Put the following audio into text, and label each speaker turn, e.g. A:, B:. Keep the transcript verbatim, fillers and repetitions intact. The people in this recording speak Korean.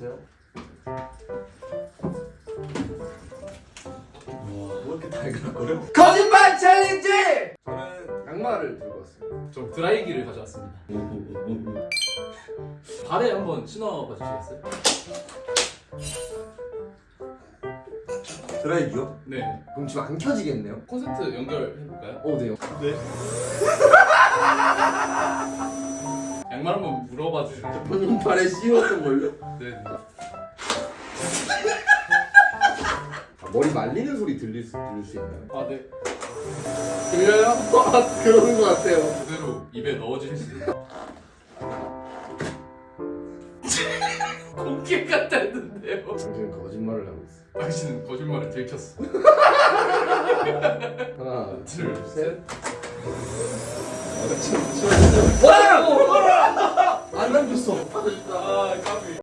A: 보세요. 뭐 이렇게 달걀거려? 거짓말 챌린지! 저는 양말을 들고 왔습니다.
B: 좀 드라이기를 가져왔습니다. 발에 한번 신어봐 주시겠어요?
A: 드라이기요?
B: 네.
A: 그럼 지금 안 켜지겠네요?
B: 콘센트 연결해볼까요?
A: 어, 네요.
B: 네. 양말 한번 물어봐 주시죠.
A: 본인 발에 씌웠던 걸요?
B: 네.
A: 머리 말리는 소리 들릴 수, 들릴 수 있나요?
B: 아 네. 들려요?
A: 아, 그러는 것 같아요.
B: 그대로 입에 넣어주시면. 공기 같았는데요.
A: 당신은 거짓말을 하고 있어.
B: 당신은 거짓말을 들켰어.
A: 하나,
B: 둘, 셋.
A: 와!
B: 안 남겼어. 아, 까비.